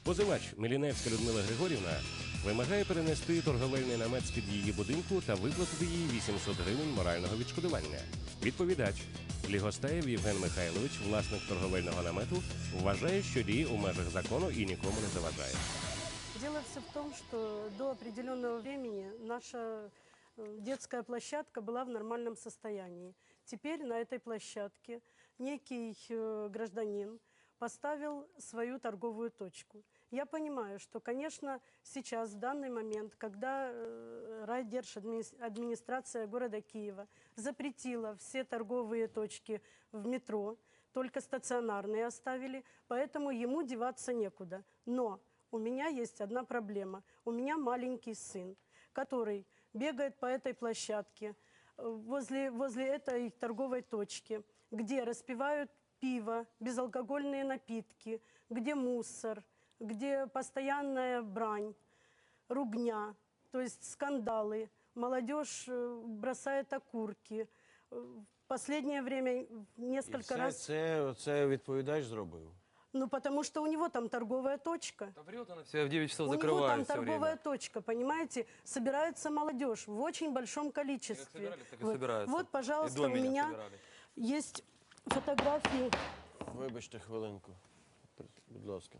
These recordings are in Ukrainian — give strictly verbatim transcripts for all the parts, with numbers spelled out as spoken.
Позивач Міліневська Людмила Григорівна вимагає перенести торговельний намет з-під її будинку та виплатити їй вісімсот гривень морального відшкодування. Відповідач Лігостаєв Євген Михайлович, власник торговельного намету, вважає, що діє у межах закону і нікому не заважає. Дело все в том, что до определенного времени наша детская площадка была в нормальном состоянии. Теперь на этой площадке некий гражданин поставил свою торговую точку. Я понимаю, что, конечно, сейчас, в данный момент, когда райдержадминистрация города Киева запретила все торговые точки в метро, только стационарные оставили, поэтому ему деваться некуда. Но у меня есть одна проблема. У меня маленький сын, который бегает по этой площадке, возле, возле этой торговой точки, где распивают пиво, безалкогольные напитки, где мусор, где постоянная брань, ругня, то есть скандалы. Молодежь бросает окурки. В последнее время несколько І раз... Це, це відповідач зробив? Ну, потому что у него там торговая точка. Да врет она все, в девять часов У него закрывает там все торговая время. точка, понимаете? Собирается молодежь в очень большом количестве. Как собирались, так и вот, собираются. вот, И пожалуйста, до у меня меня собирали. есть фотографии. Вибачте хвилинку, будь ласка.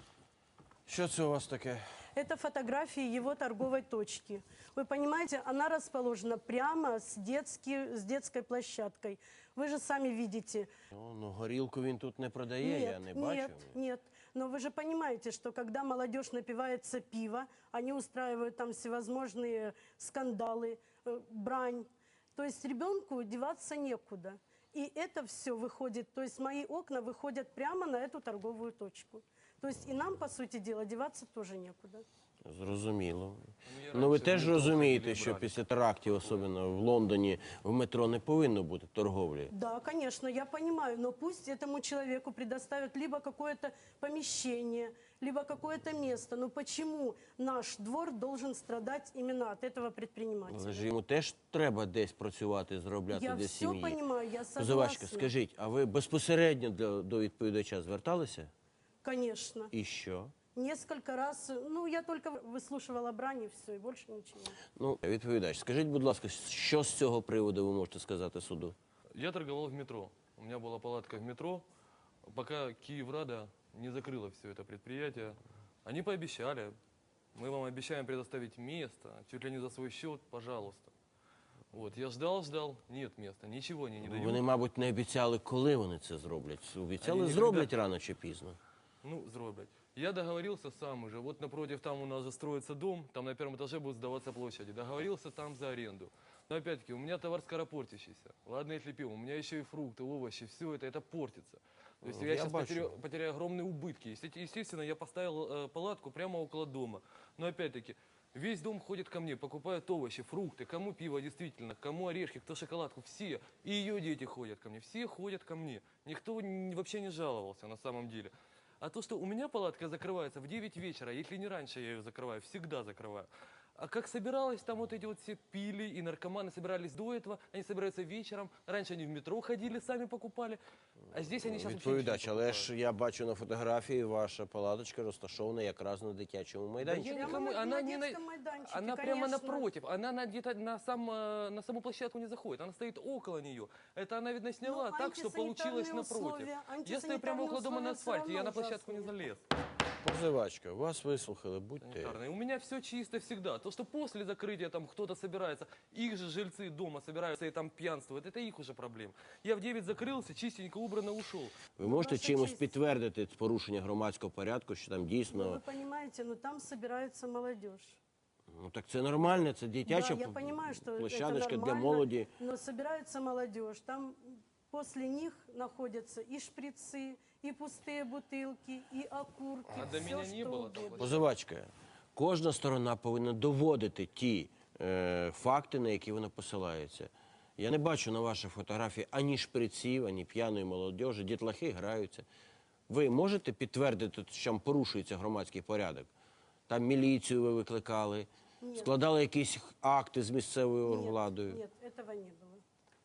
Що це у вас таке? Это фотографии его торговой точки. Вы понимаете, она расположена прямо с, детски, с детской площадкой. Вы же сами видите. Ну, ну, горілку він тут не продає, я не бачу. Нет, нет. Но вы же понимаете, что когда молодежь напивается пива, они устраивают там всевозможные скандалы, э, брань. То есть ребенку деваться некуда. И это все выходит, то есть мои окна выходят прямо на эту торговую точку. То есть и нам, по сути дела, деваться тоже некуда. Зрозуміло. я Ну ви раніше теж в метро розумієте, ходили, що брали. після терактів, особливо в Лондоні, в метро не повинно бути торговлі. Да, конечно, я понимаю, но пусть этому человеку предоставят либо какое-то помещение, либо какое-то место. Но почему наш двор должен страдать именно от этого предпринимателя? Але ж йому теж треба десь працювати, заробляти Я для все сім'ї. понимаю, я Позивачка, согласна. скажіть, а ви безпосередньо до, до відповідача зверталися? Конечно. І що? Несколько раз, ну, я только выслушивала брань и все, и больше ничего. Ну, відповідач, скажіть, будь ласка, що з цього приводу ви можете сказати суду? Я торговал в метро. У меня была палатка в метро. Пока Киеврада не закрыла все это предприятие, они пообещали. Мы вам обещаем предоставить место, чуть ли не за свой счет, пожалуйста. Вот, я ждал, ждал, нет места, ничего они не дают. Вони, мабуть, не обіцяли, коли вони це зроблять. Обіцяли, Вони зроблять ніколи- рано чи пізно. Ну, зроблять. Я договорился сам уже. Вот напротив там у нас же строится дом, там на первом этаже будет сдаваться площади. Договорился там за аренду. Но опять-таки, у меня товар скоропортящийся. Ладно, если пиво, у меня еще и фрукты, овощи, все это, это портится. То есть Ну, я, я сейчас бачу. потеряю, потеряю огромные убытки. Есте- Естественно, я поставил э, палатку прямо около дома. Но опять-таки, весь дом ходит ко мне, покупают овощи, фрукты, кому пиво действительно, кому орешки, кто шоколадку, все. И ее дети ходят ко мне, все ходят ко мне. Никто н- вообще не жаловался на самом деле. А то, что у меня палатка закрывается в девять вечера, если не раньше я ее закрываю, всегда закрываю. А как собиралось, там вот эти вот все пили, и наркоманы собирались до этого, они собираются вечером. Раньше они в метро ходили, сами покупали, а здесь они сейчас вообще Відповідач, ничего не але покупают. ж я бачу на фотографії, ваша палаточка розташована якраз на дитячому Да майданчику. я Прямо никому, на- она на не детском майданчике, она прямо конечно. напротив, она на, где-то на, сам, э, на саму площадку не заходит, она стоит около нее. Это она, видно, сняла Ну, так, что получилось антисанитарные напротив. условия- Я стою прямо около дома на антисанитарные условия асфальте, всё я на равно площадку не ужасные. залез. Позивачка, вас вислухали, будьте. Санитарные. У меня все чисто всегда. То, что после закрытия там кто-то собирается, их же жильцы дома собираются и там пьянствуют, это их уже проблем. Я в девять закрылся, чистенько убрано ушел. Ви можете Ваша чимось честь. підтвердити порушення громадського порядку, що там Ну, вы дійсно... понимаете, ну там собирается молодежь. Ну так це нормально, це дитяча Да, я понимаю, что это площадочка для нормально, молоді. но собирается молодежь, там после них находятся и шприцы, и пустые бутылки, и окурки, А до все, меня не что было там угодно. Позивачка, кожна сторона повинна доводити ті е, факти, на які вона посилається. Я не бачу на вашій фотографії ані шприців, ані п'яної молодежі, дітлахи граються. Ви можете підтвердити, що там порушується громадський порядок? Там міліцію ви викликали, Ні. складали якісь акти з місцевою Нет, владою? нет, этого не было.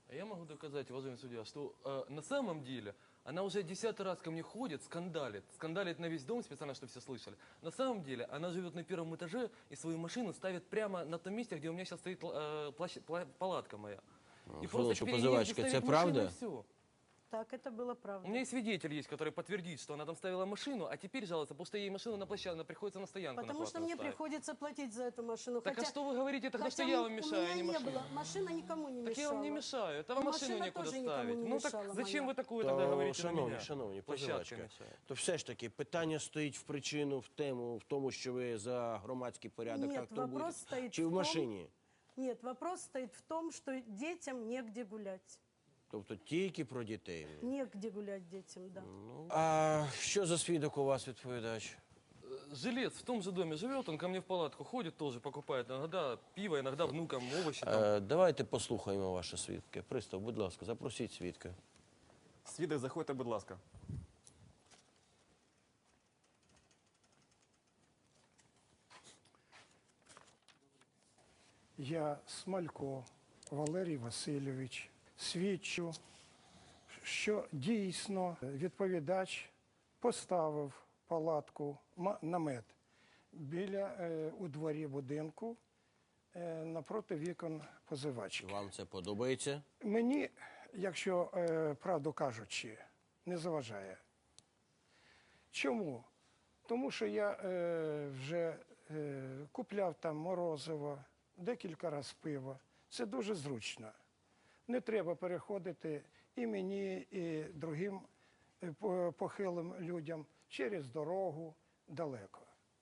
А я могу доказать, уважаемый судья, что э, на самом деле она уже десятый раз ко мне ходит, скандалит. Скандалит на весь дом специально, чтобы все слышали. На самом деле она живет на первом этаже и свою машину ставит прямо на том месте, где у меня сейчас стоит э, плащ- пла- палатка моя. И Хвилиночку, перед ней позивачка, ставит це машину, правда? и всё. Так, это было правда. У меня и свидетель есть, который подтвердит, что она там ставила машину, а теперь жалуется, потому что ей машину на площадке, приходится на стоянку Потому на что платную мне ставить. приходится платить за эту машину. Так хотя, а что вы говорите тогда, что хотя я м- вам у мешаю, а меня не не машина? было. Машина никому не мешала. Так я вам не мешаю, это И вам машину машина некуда тоже никому ставить. не Ну так мешала зачем моя. вы такую То, тогда говорите на шановні, меня? шановні, Площадка позивачка, мешает. то все ж таки питання стоїть в причину, в тему, в тому, що ви за громадський порядок Нет, так вопрос турбуєтесь? стоит Чи в в том- машині? Нет, вопрос стоит в том, что детям негде гулять. Тобто тільки про дітей. Негде гулять детям, да. А що за свідок у вас відповідач? Жилец в том же доме живет, он ко мне в палатку ходит, тоже покупает иногда пиво, иногда внукам овощи. Там. Е, давайте послухаємо ваше свідки. Пристав, будь ласка, запросіть свідка. Свідок, заходьте, будь ласка. Я Смалько Валерій Васильович свідчу, що дійсно відповідач поставив палатку, ма- намет біля е, у дворі будинку е, напроти вікон позивачки. Вам це подобається? Мені, якщо е, правду кажучи, не заважає. Чому? Тому що я е, вже е, купляв там морозиво, декілька разів пиво. Це дуже зручно. Не треба переходити і мені, і другим е, по- похилим людям через дорогу далеко.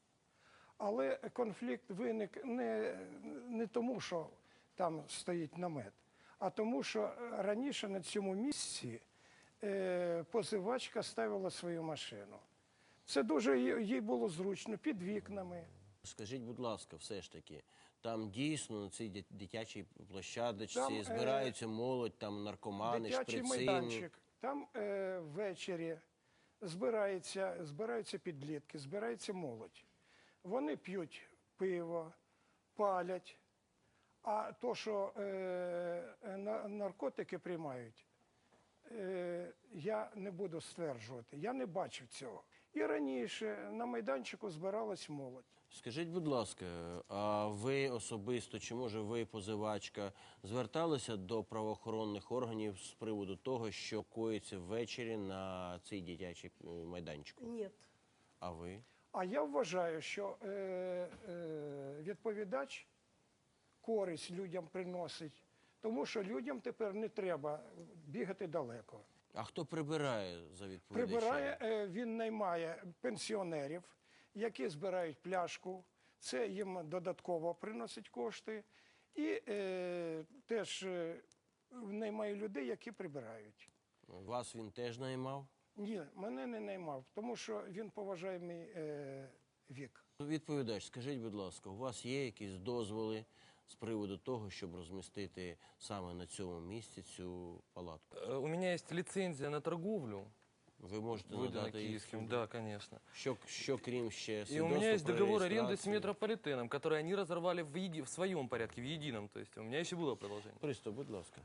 Але конфлікт виник не, не тому, що там стоїть намет, а тому, що раніше на цьому місці е, позивачка ставила свою машину. Це дуже їй їй було зручно, під вікнами. Скажіть, будь ласка, все ж таки, там дійсно на цій дит- дитячій площадочці Там, е, збираються молодь, там наркомани, Дитячий шприцини. майданчик. Там е, ввечері збирається, збираються підлітки, збирається молодь. Вони п'ють пиво, палять. А то, що е, на- наркотики приймають, е, я не буду стверджувати. Я не бачив цього. І раніше на майданчику збиралась молодь. Скажіть, будь ласка, а ви особисто, чи може ви, позивачка, зверталися до правоохоронних органів з приводу того, що коїться ввечері на цій дитячій е, майданчику? Нет. А ви? А я вважаю, що е, е, відповідач користь людям приносить, тому що людям тепер не треба бігати далеко. А хто прибирає за відповідачем? Прибирає, е, він наймає пенсіонерів, які збирають пляшку, це їм додатково приносить кошти, і е, теж е, наймає людей, які прибирають. Вас він теж наймав? Ні, мене не наймав, тому що він поважає мій е, вік. Відповідач, скажіть, будь ласка, у вас є якісь дозволи з приводу того, щоб розмістити саме на цьому місці цю палатку? Э, У меня есть лицензия на торговлю, Ви можете выдана надати її киевским, суду? да, конечно. Що, що крім ще И свідоцтва у меня есть про договор аренды с реєстрацію? метрополитеном, который они разорвали в, еди- в своем порядке, в едином. То есть у меня еще было продолжение. Пристав, будь ласка.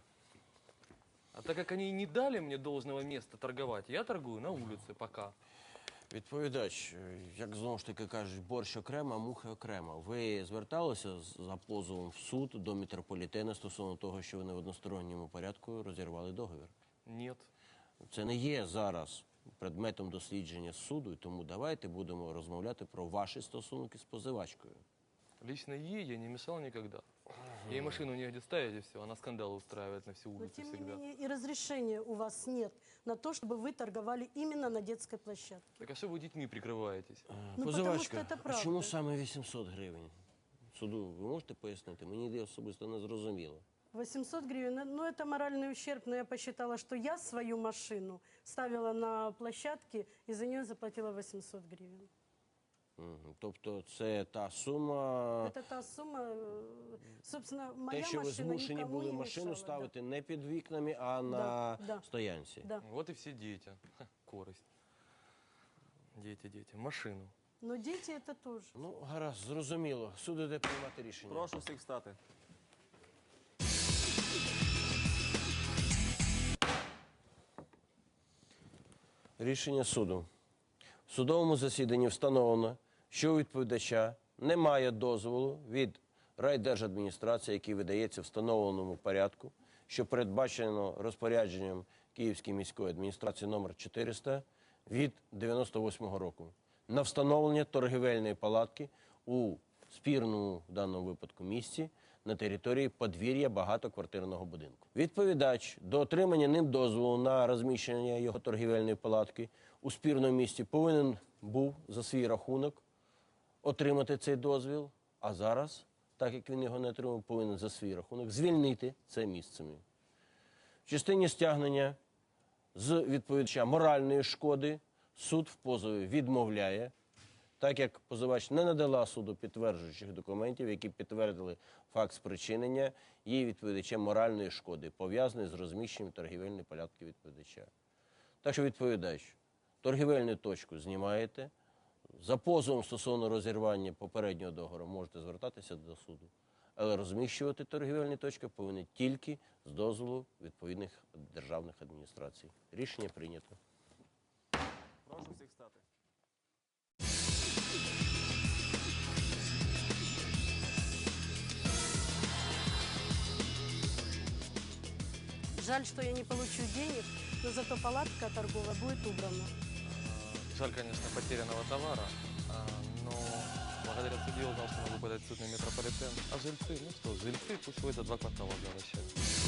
А так как они не дали мне должного места торговать, я торгую на улице пока. Відповідач, е, як знову ж таки кажуть, борщ окремо, а мухи окремо. Ви зверталися з- за позовом в суд до метрополітена стосовно того, що вони в односторонньому порядку розірвали договір? Нет. Це не є зараз предметом дослідження суду, і тому давайте будемо розмовляти про ваші стосунки з позивачкою. Лично ей я не мешал никогда. Ей машину негде ставить и все, она скандалы устраивает на всю Но улицу тем не всегда. менее и разрешения у вас нет на то, чтобы вы торговали именно на детской площадке. Так а что вы детьми прикрываетесь? Ну, Позивачка, потому що це а правда. чому саме вісімсот гривень? Суду, ви можете пояснити? Мені особисто не зрозуміло. восемьсот гривен, ну это моральный ущерб, но я посчитала, что я свою машину ставила на площадке и за нее заплатила восемьсот гривен. Мгм. Тобто це та сума, Это та сумма, э, собственно, моя те, що ви машина змушені никому були не машину мешала, ставити не під вікнами, а на Да, да. стоянці. Да. Вот и все дети. Ха, корость. Дети, дети. Машину. Но дети это тоже. Ну, гаразд, зрозуміло. Суд іде приймати рішення. Прошу всіх встати. Рішення суду. В судовому засіданні встановлено, що у відповідача немає дозволу від райдержадміністрації, який видається в встановленому порядку, що передбачено розпорядженням Київської міської адміністрації номер чотириста від дев'яносто восьмого року, на встановлення торгівельної палатки у спірному в даному випадку місці на території подвір'я багатоквартирного будинку. Відповідач до отримання ним дозволу на розміщення його торгівельної палатки у спірному місці повинен був за свій рахунок отримати цей дозвіл, а зараз, так як він його не отримав, повинен за свій рахунок звільнити це місце. В частині стягнення з відповідача моральної шкоди суд в позові відмовляє, так як позивач не надала суду підтверджуючих документів, які підтвердили факт спричинення її відповідачем моральної шкоди, пов'язаної з розміщенням торгівельної палатки відповідача. Так що відповідач, торгівельну точку знімаєте, за позовом стосовно розірвання попереднього договору можете звертатися до суду, але розміщувати торгівельні точки повинні тільки з дозволу відповідних державних адміністрацій. Рішення прийнято. Прошу всіх встати. Жаль, что я не получу денег, но зато палатка торговая будет убрана. Жаль, конечно, потерянного товара, а, но благодаря суде я узнал, что могу подать в суд на метрополитен. А жильцы, ну что, жильцы пусть ходят за два квартала возвращают.